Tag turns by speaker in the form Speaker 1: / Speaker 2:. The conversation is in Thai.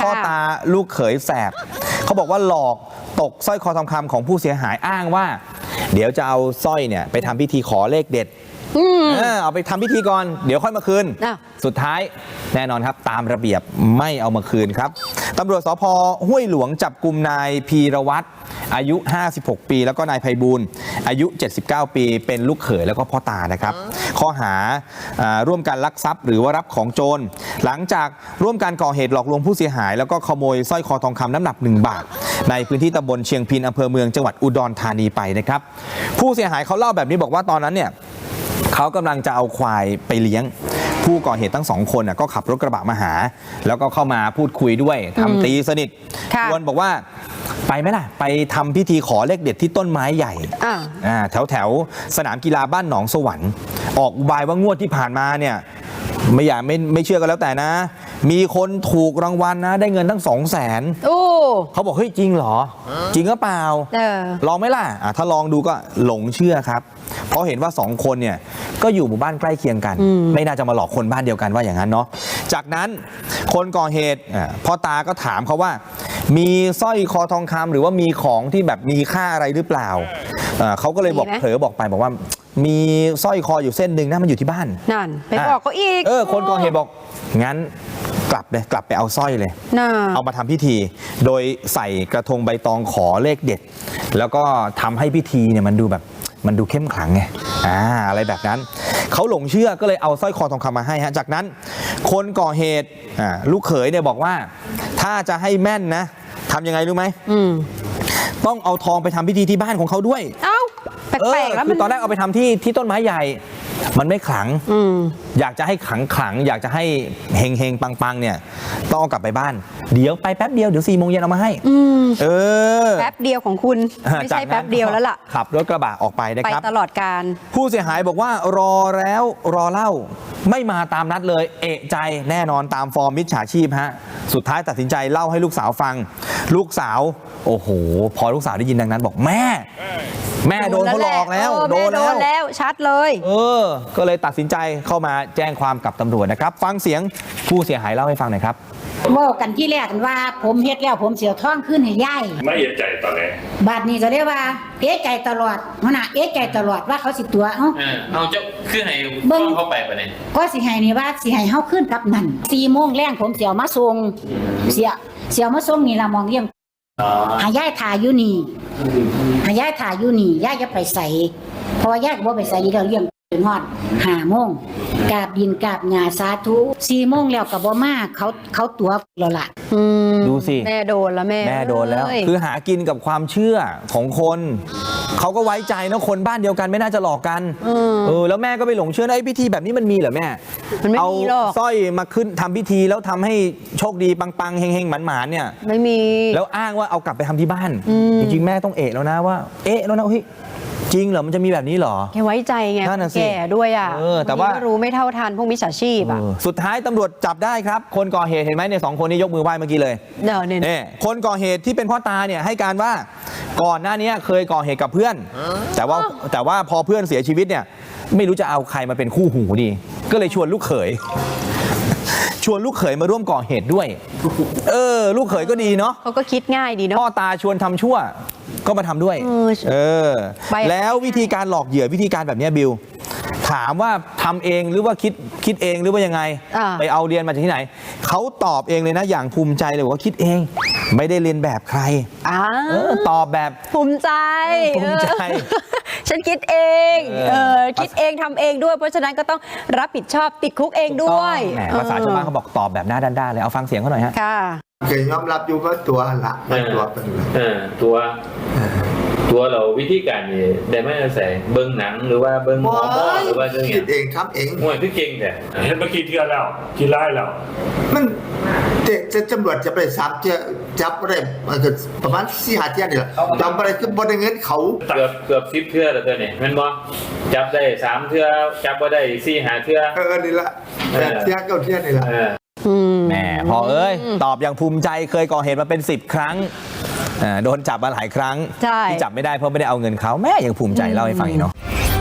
Speaker 1: พ่อตาลูกเขยแสบเขาบอกว่าหลอกตกสร้อยคอทองคำของผู้เสียหายอ้างว่าเดี๋ยวจะเอาสร้อยเนี่ยไปทำพิธีขอเลขเด็ดเอาไปทำพิธีก่อนเดี๋ยวค่อยมาคืนสุดท้ายแน่นอนครับตามระเบียบไม่เอามาคืนครับตำรวจสภ.ห้วยหลวงจับกุมนายพีรวัตรอายุ56ปีแล้วก็นายไพบูลย์อายุ79ปีเป็นลูกเขยแล้วก็พ่อตานะครับข้อหาร่วมกันลักทรัพย์หรือว่ารับของโจรหลังจากร่วมกันก่อเหตุหลอกลวงผู้เสียหายแล้วก็ขโมยสร้อยคอทองคำน้ำหนัก1 บาทในพื้นที่ตำบลเชียงพินอำเภอเมืองจังหวัดอุดรธานีไปนะครับผู้เสียหายเขาเล่าแบบนี้บอกว่าตอนนั้นเนี่ยเขากำลังจะเอาควายไปเลี้ยงผู้ก่อเหตุทั้ง2 คนก็ขับรถกระบะมาหาแล้วก็เข้ามาพูดคุยด้วยทำตีสนิทชวนบอกว่าไปไหมล่ะไปทำพิธีขอเลขเด็ดที่ต้นไม้ใหญ่แถวสนามกีฬาบ้านหนองสวรรค์ออกอุบายว่างวดที่ผ่านมาเนี่ยไม่เชื่อกันแล้วแต่นะมีคนถูกรางวัลนะได้เงินตั้ง200,000เขาบอกเฮ้ยจริงเหรอจริงหรือเปล่าลองไหมล่ะถ้าลองดูก็หลงเชื่อครับเพราะเห็นว่า2 คนเนี่ยก็อยู่หมู่บ้านใกล้เคียงกันไม่น่าจะมาหลอกคนบ้านเดียวกันว่าอย่างนั้นเนาะจากนั้นคนก่อเหตุพ่อตาก็ถามเขาว่ามีสร้อยคอทองคำหรือว่ามีของที่แบบมีค่าอะไรหรือเปล่าเขาก็เลยบอกเผลอบอกไปบอกว่ามีสร้อยคออยู่เส้นหนึ่งนะมันอยู่ที่บ้าน
Speaker 2: นั่นไปบอกเขาอีก
Speaker 1: คนก่อเหตุบอกงั้นกลับไปเอาสร้อยเลยเอามาทำพิธีโดยใส่กระทงใบตองขอเลขเด็ดแล้วก็ทำให้พิธีเนี่ยมันดูเข้มขลังไงอะไรแบบนั้นเขาหลงเชื่อก็เลยเอาสร้อยคอทองคำมาให้ฮะจากนั้นคนก่อเหตุลูกเขยเนี่ยบอกว่าถ้าจะให้แม่นนะทำยังไงรู้ไหมต้องเอาทองไปทำพิธีที่บ้านของเขาด้วย
Speaker 2: แปลกๆแล้ว
Speaker 1: คือตอนแรกเอาไปทำที่ต้นไม้ใหญ่มันไม่ขลังอยากจะให้ขลังอยากจะให้เฮงปังเนี่ยต้องเอากลับไปบ้านเดี๋ยวไปแป๊บเดียวเดี๋ยว4 โมงเย็นเอามาให้
Speaker 2: แป๊บเดียวของคุณไม่ใช่แป๊บเดียวแล้วล่ะ
Speaker 1: ขับรถกระบะออกไปนะครับ
Speaker 2: ไปตลอดการ
Speaker 1: ผู้เสียหายบอกว่ารอแล้วรอเล่าไม่มาตามนัดเลยเอะใจแน่นอนตามฟอร์มมิจฉาชีพฮะสุดท้ายตัดสินใจเล่าให้ลูกสาวฟังลูกสาวโอ้โหพอลูกสาวได้ยินดังนั้นบอกแม่โดนเขาหลอกแล้วโดน
Speaker 2: แล้วชัดเลย
Speaker 1: ก็เลยตัดสินใจเข้ามาแจ้งความกับตำรวจนะครับฟังเสียงผู้เสียหายเล่าให้ฟังหน่อยครับ
Speaker 3: ว่ากันที่แรกกันว่าผมเฮ็ดแล้วผมเสียท้องขึ้นให้ย่าย
Speaker 4: ไม่เอะใจตอนไหน
Speaker 3: บาดนี้ก็เรียกว่าเอะใจตลอดเอะใจตลอดว่าเขาสิตัว
Speaker 4: เอาเจ้าขึ้นให้เบิ้งเข้าไปปะเนี่ย
Speaker 3: ก็สิให้นี่ว่าสิให้เฮาขึ้นกับนั่น4 โมงแรงผมเสียมาส่งเสียมาส่งนี่ละมองเยี่ยมหายายถ่ายอยู่นี่ย่าจะไปใส่เพราะว่าย่าก็บ่ไปใส่เรื่องฮอด5 โมงกราบดินกราบหญ้าสาธุ4 โมงแล้วก็บ่มาเขาตัวแล้วล่ะ
Speaker 1: ดูสิ
Speaker 2: แม่โดนแล้วแม่
Speaker 1: โดนแล้วคือหากินกับความเชื่อของคนเขาก็ไว้ใจนะคนบ้านเดียวกันไม่น่าจะหลอกกันแล้วแม่ก็ไปหลงเชื่อไอ้พิธีแบบนี้มันมีเหรอแม่เอาสร้อยมาขึ้นทำพิธีแล้วทำให้โชคดีปังๆเฮงๆหมานๆเนี่ย
Speaker 2: ไม่มี
Speaker 1: แล้วอ้างว่าเอากลับไปทำที่บ้านจริงๆแม่ต้องแล้วนะว่าแล้วนะเฮ้ยจริงเหรอมันจะมีแบบนี้เหรอ
Speaker 2: แกไว้ใจไงแก่ด้วย
Speaker 1: แต่ว่า
Speaker 2: รู้ไม่เท่าทันพวกมิจฉาชีพ
Speaker 1: สุดท้ายตำรวจจับได้ครับคนก่อเหตุเห็นไหมเนี่ย2 คนนี้ยกมือไหว้เมื่อกี้เลยเนี่ยคนก่อเหตุที่เป็นพ่อตาเนี่ยให้การว่าก่อนหน้านี้เคยก่อเหตุกับเพื่อนแต่ว่าพอเพื่อนเสียชีวิตเนี่ยไม่รู้จะเอาใครมาเป็นคู่หูดีก็เลยชวนลูกเขยมาร่วมก่อเหตุด้วยลูกเขยก็ดีเนาะ
Speaker 2: เขาก็คิดง่ายดีเนาะ
Speaker 1: พ่อตาชวนทำชั่วก็มาทำด้วยแล้ววิธีการหลอกเหยื่อวิธีการแบบนี้บิวถามว่าทำเองหรือว่าคิดเองหรือว่ายังไงไปเอาเรียนมาจากที่ไหนเขาตอบเองเลยนะอย่างภูมิใจเลยว่าคิดเองไม่ได้เรียนแบบใครตอบแบบ
Speaker 2: ภูมิใจฉันคิดเองคิดเองทำเองด้วยเพราะฉะนั้นก็ต้องรับผิดชอบติดคุกเองด้วย
Speaker 1: ภาษาชาวบ้านเขาบอกตอบแบบหน้าด้านๆเลยเอาฟังเสียงเขาหน่อยฮะ
Speaker 5: เคยยอมรับอยู่ว่าตัวละไม่ตัวเป็น
Speaker 4: ตัวเราวิธีการนี่ได้ไม่ใส่เบิ้งหนังหรือว่าเบิ้งหมอหรือว่าเรื่อง
Speaker 5: คิดเองทำเอง
Speaker 4: มวยคือเก่งแต่
Speaker 6: เห็นเมื่อกี้เทื่อแล้วกินไล่แล้ว
Speaker 5: มันจะตำรวจจะไปจับอะไรประมาณ4-5 เที่ยนี่แหละจำอะไรคือบริเงินเขา
Speaker 4: เกือบ10 เทื่อแล้วตัวนี้มันบ่จับได้3 เทื่อจับบ่ได้4-5 เทื่อ
Speaker 5: นี่ละ8 เที่ย9 เที่ยนี่แหละ
Speaker 1: แม่พอตอบอย่างภูมิใจเคยก่อเหตุมาเป็น10 ครั้งโดนจับมาหลายครั้งที่จับไม่ได้เพราะไม่ได้เอาเงินเขาแม่ยังภูมิใจเล่าให้ฟังอีกเนาะ